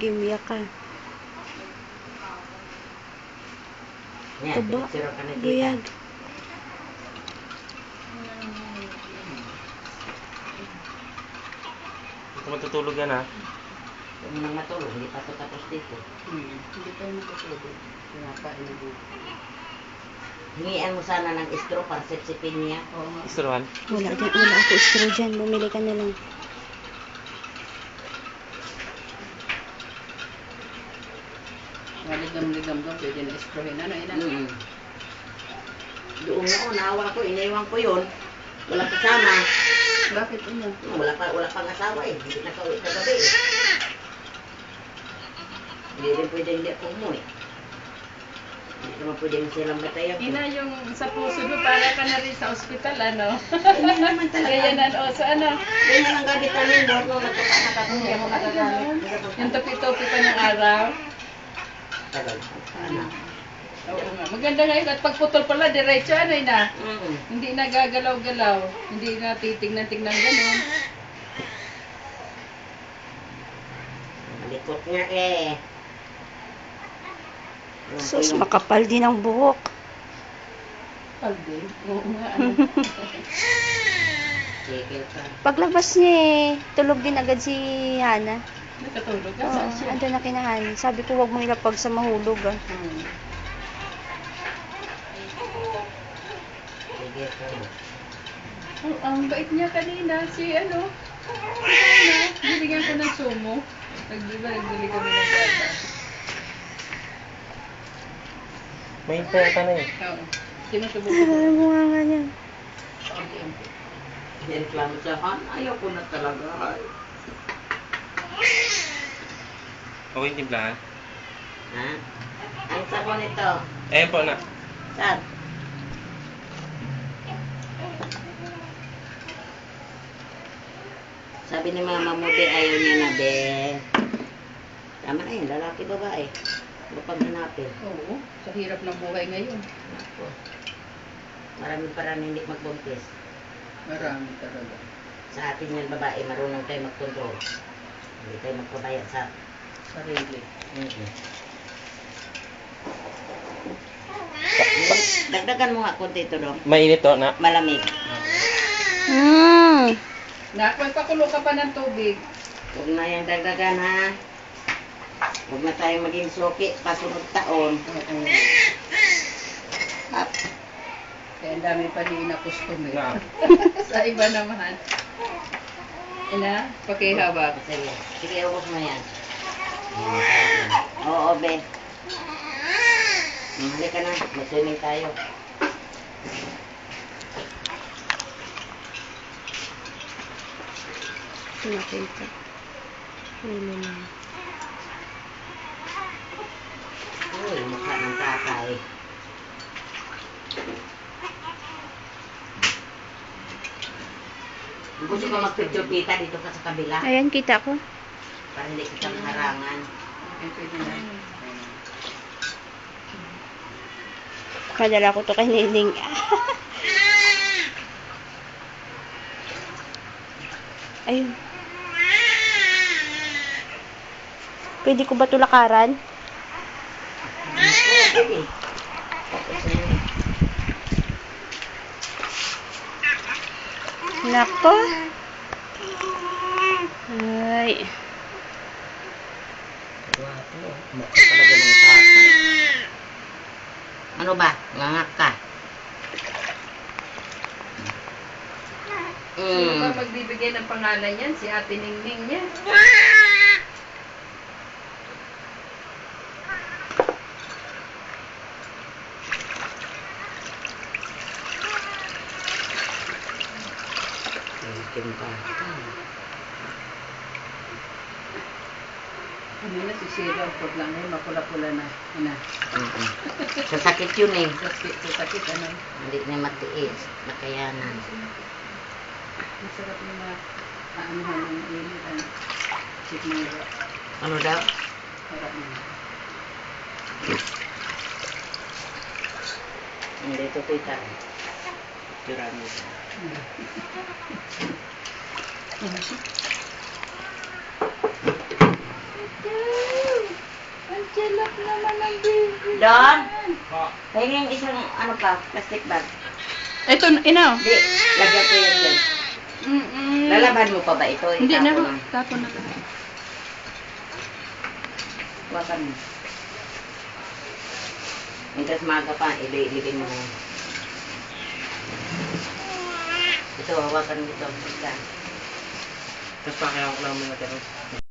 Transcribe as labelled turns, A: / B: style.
A: Sige, umiyak ka. Tuba. Guyag.
B: Ito matutulog yan, ha?
C: Kung nang matulog, hindi pa ito tapos dito.
D: Hindi tayo matutulog. Pinapain na dito.
C: Hingian mo sana ng istro para sipsipin niya.
B: Istrohan?
A: Wala ako istro dyan. Bumili ka na lang.
D: Maligam-ligam doon, pwede na istrohin. Ano, ina?
C: Doon nga, naawa ko, iniwan ko yun. Walang kasama.
D: Bakit ina?
C: Wala pang asawa eh. Hindi nakauwi kagabi eh. Hindi rin pwede hindi ako umuwi. Hindi naman pwede silang batayan.
D: Ina, yung sa puso mo, para ka na rin sa ospital, ano?
C: Hindi naman talaga.
D: Ganyan o, sa ano?
C: Ganyan ang gamit namin, Lord, nung nagkakanak ako, hindi ako nagagamit.
D: Yung topi-topi pa ng araw.
C: Tagal. Anak.
D: Oo nga. Maganda ngayon at pagputol pala, diretso, ano ina?
C: Mm.
D: Hindi na gagalaw-galaw. Hindi na titignan-tignan gano'n.
C: Malikot nga eh.
A: Sus, makapal din ang buhok.
D: Palde. Oo nga, ano?
C: Sige ka.
A: Paglabas niya tulog din agad si Hana.
D: Nakatulog ka?
A: Oo,
D: Saan siya?
A: andun na kinahan. Sabi ko, wag mo ilapag sa mahulog, ah.
C: Sige ka.
D: Oh, ang bait niya kanina. Si ano? Ano? Binigyan ko ng sumo. Nagbili kami ng gata.
B: May peta na eh.
D: Oo. Sinusubok
A: Ano
D: ko.
A: mo nga niya?
D: Ampi-ampi.
C: Reklamo siya, Han, ayaw ko na talaga.
B: Okay, timplahan?
C: Ha? Ang sabon ito.
B: Ayan po, na.
C: Saan? Sabi ni Mama mo, be, ayaw niya na, be. Tama na yun, lalaki, babae. Ano pang hanapin?
D: Oo. Sa hirap ng buhay ngayon.
C: Ako. Maraming parang hindi magbuntis.
D: Marami talaga.
C: Sa atin yan, babae, marunong tayo mag-control. Hindi tayo magpabayad sa...
D: Sarili.
C: Dagdagan mo nga konti ito, dong.
B: Mainit to, na.
C: Malamig.
D: Na, magpakulo ka pa ng tubig.
C: Huwag na yan dagdagan, ha? Huwag na tayong maging suki pasunod taon.
D: Oo.
C: Up.
D: Kaya ang dami pa din na customer.
B: Na.
D: Sa iba naman. Ina, pakihawak.
C: Sige, sige, ubos mo yan. Yan, oo, be. Halika na, mag-swimming tayo.
A: Nakita. Hilo na.
C: Uy, mukha ng tatay. Gusto ko mag-picture kita dito ka sa kabila.
A: Ayan, kita ko.
C: Para hindi kita maharangan.
D: Okay, pwede na.
A: Padala ko to kay Nining. Ayun. Pwede ko ba tulakaran?
C: Oo, pwede. Tapos na yun.
A: Nako. Ay.
C: Wapo, mukha talaga ng tatay. Ano ba? Ngangak ka?
D: Sino ba magbibigay ng pangalan yan? Si Ate Ningning niya.
C: Kimpa.
D: Ano na si Sheila, pag lang ngayon, mapula-pula na. Ina.
C: Sasakit yun eh.
D: Sakit, ano?
C: Hindi na matiis. Nakayanan.
D: Masarap yung maanuhan ng init. Ano? Sikmura.
C: Ano daw?
D: Sarap na.
C: Hindi ito tita. Tirami.
D: naman ang baby.
C: Don,
B: Po.
C: pahingin isang ano pa, plastic bag.
D: Ito, ina.
C: Hindi, lagyan ko yan dyan. Lalaban mo pa ba ito?
D: Hindi na.
C: Itapon mo.
D: Tapon na lang.
C: Hawakan mo. Hanggang maga pa, ilibing mo na yan. Ito, hawakan mo ito. Basta.
B: Tapos pakihawa ko naman natin.